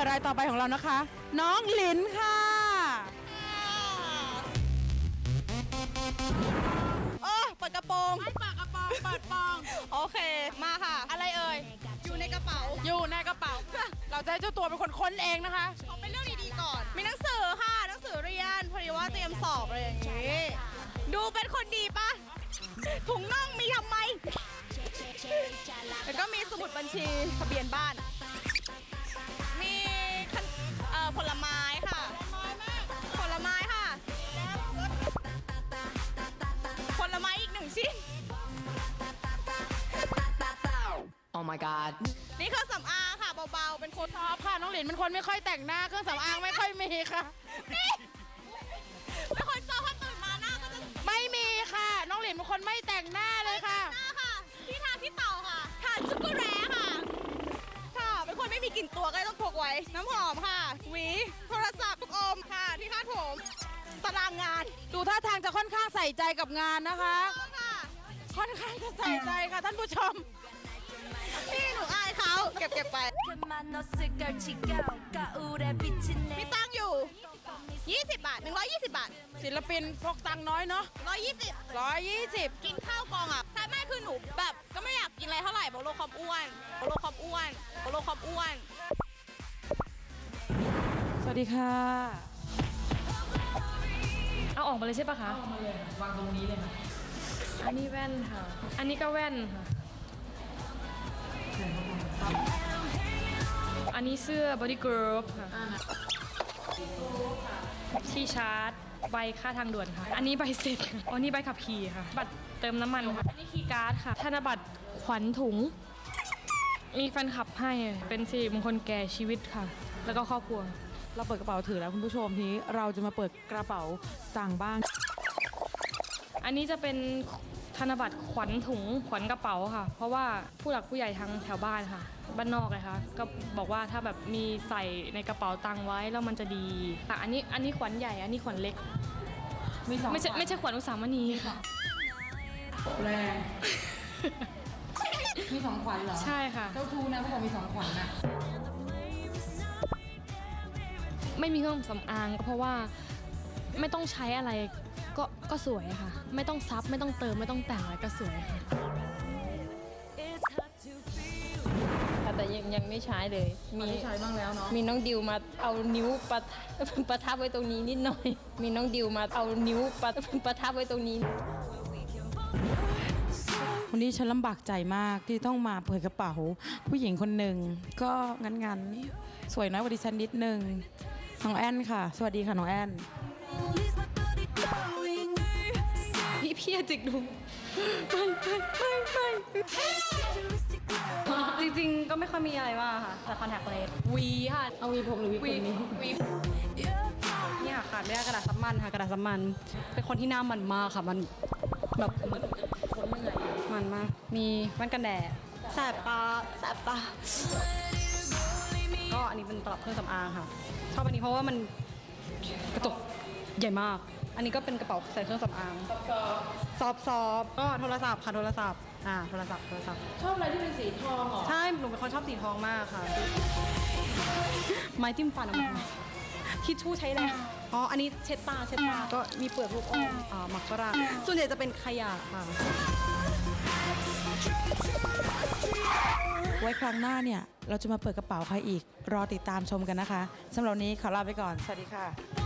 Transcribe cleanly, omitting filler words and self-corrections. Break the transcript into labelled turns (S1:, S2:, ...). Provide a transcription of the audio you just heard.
S1: ยื่อรายต่อไปของเรานะคะ น้องหลินค่ะ
S2: เปิดกระโปรง
S1: ไม่เปิดกระโปรงเปิดปอง
S2: โอเคมาค่ะ
S1: อะไรเอ่ย
S2: อยู่ในกระเป๋า
S1: อยู่ในกระเป๋า เราจะให้เจ้าตัวเป็นคนค้นเองนะคะ
S2: ขอเป็นเรื่องดีๆก่อน มีหนังสือค่ะหนังสือเรียนพอดีว่าเตรียมสอบอะไรอย่างงี้ ดูเป็นคนดีปะถุงน่องมีทำไม แล้วก็มีสมุดบัญชีทะเบียนบ้าน มีผลไม้ค่ะ ผลไม้ค่ะ ผลไม้อีก1 ชิ้น
S3: Oh my god
S2: นี่คือสำอางค่ะเบาๆ เป็นคน
S1: ชอบค่ะน้องหลินเป็นคนไม่ค่อยแต่งหน้าเครื่องสำอางไม่ค่อยมีค่ะ
S2: นี่เป็นคนชอบพอตื่นมาหน้าก็จะ
S1: ไม่มีค่ะ น้องหลินเป็นคนไม่แต่งหน้าเลยค่ะ
S2: หน้าค่ะ ที่ทาที่เต่าค่ะทาชุกุแร้ค่ะ ค่ะ เป็นคนไม่มีกลิ่นตัวก็เลยต้องพกไว้ น้ำหอมค่ะ หวี โทรศัพท์ลูกอมค่ะ ที่คาดผมตารางงาน
S1: ดูท่าทางจะค่อนข้างใส่ใจกับงานนะคะ
S2: ต้องค่ะ
S1: ค่อนข้างจะใส่ใจค่ะท่านผู้ชม
S2: พี่หนูอายเขาเก็บไป มีตังค์อยู่ 20 บาท 120 บาท
S1: ศิลปินพกตังค์น้อยเนาะ
S2: 120
S1: 120
S2: กินข้าวกองอ่ะใช่ไม่คือหนูแบบก็ไม่อยากกินอะไรเท่าไหร่บอกโลความอ้วนบอกโลความอ้วนบอกโลความอ้วน
S1: สวัสดีค่ะ
S4: เอาออกมาเลยใช่ปะคะเอาออกมาเลยวางตรงนี้เลยค่ะ อันนี้แว่นค่ะ อันนี้ก็แว่นค่ะ อันนี้เสื้อบอดี้กรุ๊ปค่ะที่ชาร์จใบค่าทางด่วนค่ะ อันนี้ใบเสร็จค่ะอันนี้ใบขับขี่ค่ะ บัตรเติมน้ำมันค่ะ อันนี้คีย์การ์ดค่ะ ธนบัตรขวัญถุง มีแฟนคลับให้เป็นสิริมงคลแก่ชีวิตค่ะ แล้วก็ครอบครัว
S1: เราเปิดกระเป๋าถือแล้วคุณผู้ชมทีนี้เราจะมาเปิดกระเป๋าต่างบ้าง
S4: อันนี้จะเป็นธนบัตรขวัญถุงขวัญกระเป๋าค่ะ เพราะว่าผู้หลักผู้ใหญ่ทางแถวบ้านค่ะ บ้านนอกเลยค่ะ ก็บอกว่าถ้าแบบมีใส่ในกระเป๋าตังค์ไว้แล้วมันจะดีค่ะอันนี้ขวัญใหญ่อันนี้ขวัญเล็ก
S1: มีสอง
S4: ไม่ใช่ขวัญอุสามณีค่ะ
S1: แรงมีสองขวัญเหรอ
S4: ใช่ค่ะ
S1: เจ้าทูนะเขาบอกมีสองขวัญนะ
S4: ไม่มีเครื่องสำอางก็เพราะว่าไม่ต้องใช้อะไรก็สวยค่ะ ไม่ต้องซับไม่ต้องเติมไม่ต้องแต่งอะไรก็สวยค่ะ
S5: ค่ะแต่ยังไม่ใช้เลย
S1: มีใช้บ้างแล้วเนาะ
S5: มีน้องดิวมาเอานิ้วประทับไว้ตรงนี้นิดหน่อย มีน้องดิวมาเอานิ้วประทับไว้ตรงนี้
S1: วันนี้ฉันลำบากใจมากที่ต้องมาเปิดกระเป๋าผู้หญิงคนหนึ่งก็งั้นสวยน้อยกว่าดิฉันนิดนึงน้องแอนค่ะ สวัสดีค่ะน้องแอน
S4: พี่จิกดูจริงๆก็ไม่ค่อยมีอะไรมากค่ะแต่คอนแทคเลนส์วีค่ะ
S1: เอาวีผมหรือวีคนนี้
S4: วีเนี่ยขาดไม่ได้กระดาษซับมันค่ะกระดาษซับมันเป็นคนที่หน้ามันมากค่ะมันแบบเหมือนคนเหนื่อยมันมากมีแว่นกันแดดแสบตาก็อันนี้เป็นตลับเครื่องสำอางค่ะชอบอันนี้เพราะว่ามันกระจกใหญ่มาก อันนี้ก็เป็นกระเป๋าใส่เครื่องสำอางซอฟก็โทรศัพท์ค่ะโทรศัพท์
S1: ชอบอะไรที่เป็นสีทองเหรอ
S4: ใช่หนูเป็นคนชอบสีทองมากค่ะ ไม้จิ้มฟันออกมาทิชชู่ใช้แล้วอ๋ออันนี้เช็ดตาก็มีเปลือกลูกอมหมักฝรั่งส่วนใหญ่จะเป็นขยะค่ะ
S1: ไว้ครั้งหน้าเนี่ยเราจะมาเปิดกระเป๋าใครอีกรอติดตามชมกันนะคะสำหรับวันนี้ขอลาไปก่อนสวัสดีค่ะ